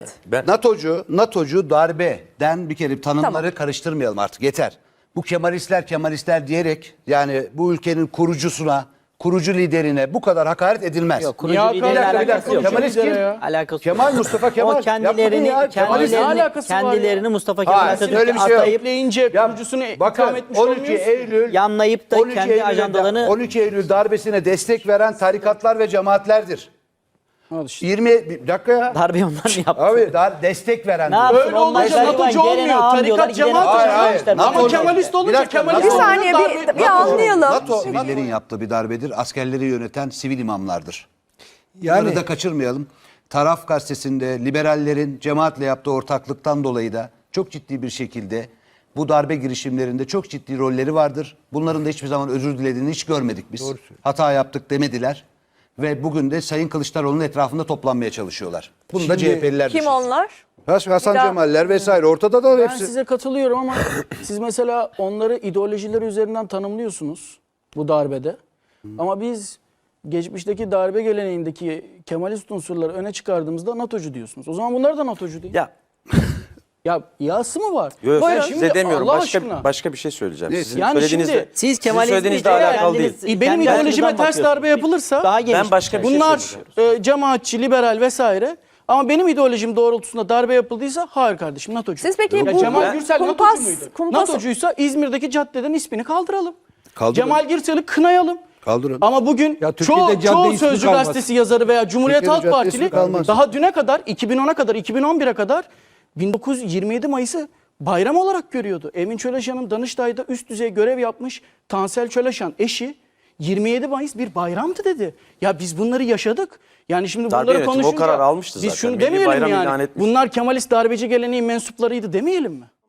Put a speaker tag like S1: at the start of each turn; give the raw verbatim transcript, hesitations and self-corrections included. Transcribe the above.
S1: Ben...
S2: NATO'cu, NATO'cu darbeden bir kere tanımları
S3: Tamam.
S2: karıştırmayalım artık yeter. Bu Kemalistler Kemalistler diyerek yani bu ülkenin kurucusuna, kurucu liderine bu kadar hakaret edilmez.
S4: Yok, kurucu
S5: Niye
S4: lideriyle
S5: hakaret-
S4: alakası yok.
S2: Kemalist kim?
S4: Alakası
S2: Kemal
S4: yok.
S2: Mustafa Kemal.
S4: O kendilerini,
S2: Yapma ya, Kemalist.
S4: kendilerini,
S5: Ne alakası var ya?
S4: kendilerini Mustafa Kemal
S2: Hayır,
S4: Atatürk'e
S2: öyle bir şey yok.
S4: atayıp
S5: Ekleyince
S2: Ya,
S5: kurucusunu
S2: bakın,
S5: itham etmiş
S2: on iki
S5: olmuyorsun.
S2: Eylül
S4: yanlayıp da
S2: on iki
S4: kendi
S2: Eylül'de-
S4: ajandalarını
S2: on iki Eylül darbesine destek veren tarikatlar ve cemaatlerdir.
S5: Al işte.
S2: yirmi bir dakika ya.
S4: darbeyi onlar mı yaptı?
S2: Abi dar destek veren.
S4: Ne yapsın?
S5: Öyle
S4: Onlar
S5: olunca
S4: gariban,
S5: NATO'cu
S4: gelene
S5: olmuyor.
S4: ağam
S5: Tarikat
S4: diyorlar, gidene
S5: cemaat
S4: ağam
S2: Hayır,
S4: diyorlar.
S2: hayır.
S4: İşte
S2: NATO-
S5: Ama Kemalist
S2: Bir
S5: olunca
S2: dakika,
S5: Kemalist
S3: Bir
S2: NATO-
S5: olunca
S3: saniye
S5: darbe-
S3: bir, bir anlayalım.
S2: NATO sivillerin yaptığı bir darbedir. Askerleri yöneten sivil imamlardır. Yani da kaçırmayalım. Taraf gazetesinde liberallerin cemaatle yaptığı ortaklıktan dolayı da çok ciddi bir şekilde bu darbe girişimlerinde çok ciddi rolleri vardır. Bunların da hiçbir zaman özür dilediğini hiç görmedik biz. Hata yaptık demediler. Ve bugün de Sayın Kılıçdaroğlu'nun etrafında toplanmaya çalışıyorlar. Bunu da C H P'liler
S3: Kim
S2: düşünsün.
S3: onlar?
S2: Hasan
S3: Bir daha-
S2: Cemaller vesaire ortada da
S5: Ben
S2: hepsi.
S5: size katılıyorum ama siz mesela onları ideolojileri üzerinden tanımlıyorsunuz bu darbede. Ama biz geçmişteki darbe geleneğindeki Kemalist unsurları öne çıkardığımızda NATO'cu diyorsunuz. O zaman bunlar da NATO'cu değil.
S1: Ya,
S5: Ya yası mı var?
S1: yo, yo,
S5: Buyurun.
S1: size demiyorum.
S5: Allah
S1: Başka,
S5: aşkına.
S1: başka bir şey söyleyeceğim.
S2: Ne?
S1: Sizin
S5: Yani
S1: söylediğinizle,
S5: şimdi
S4: Siz
S1: sizin
S4: Kemalist
S1: söylediğinizle
S4: değil,
S1: alakalı değil.
S4: kendiniz-
S5: Benim
S4: kendi
S5: ideolojime
S4: açınızdan
S5: ters darbe
S4: bakıyorsunuz.
S5: yapılırsa
S4: Daha geniş.
S1: Ben başka bir şey
S5: bunlar
S1: söyleyeceğim.
S5: e, cemaatçi, liberal vesaire. Ama benim ideolojim doğrultusunda darbe yapıldıysa hayır kardeşim NATO'cu.
S3: Siz peki
S5: Ya
S3: bu-
S5: Cemal
S3: bu
S5: Gürsel
S3: kumpas-
S5: NATO'cu muydu?
S3: kumpas-
S5: NATO'cuysa İzmir'deki caddeden ismini kaldıralım.
S2: Kaldırın.
S5: Cemal Gürsel'i kınayalım.
S2: Kaldırın.
S5: Ama bugün
S6: Ya Türkiye'de
S5: çoğu,
S6: cadde
S5: çoğu
S6: ismi
S5: Sözcü
S6: kalmaz.
S5: gazetesi yazarı veya Cumhuriyet
S2: Türkiye'de
S5: Halk
S2: cadde ismi
S5: Partili
S2: kalmaz.
S5: daha düne kadar iki bin ona kadar iki bin on bire kadar bin dokuz yüz yirmi yedi Mayıs'ı bayram olarak görüyordu. Emin Çöleşan'ın Danıştay'da üst düzey görev yapmış Tansel Çöleşan eşi yirmi yedi Mayıs bir bayramdı dedi. Ya biz bunları yaşadık. Yani şimdi
S1: Darbe
S5: bunları
S1: yönetimi o
S5: konuşunca
S1: karar almıştı
S5: biz
S1: zaten.
S5: şunu
S1: Milli
S5: demeyelim
S1: bayram
S5: yani.
S1: ilan etmiş.
S5: Bunlar Kemalist darbeci geleneğin mensuplarıydı demeyelim mi?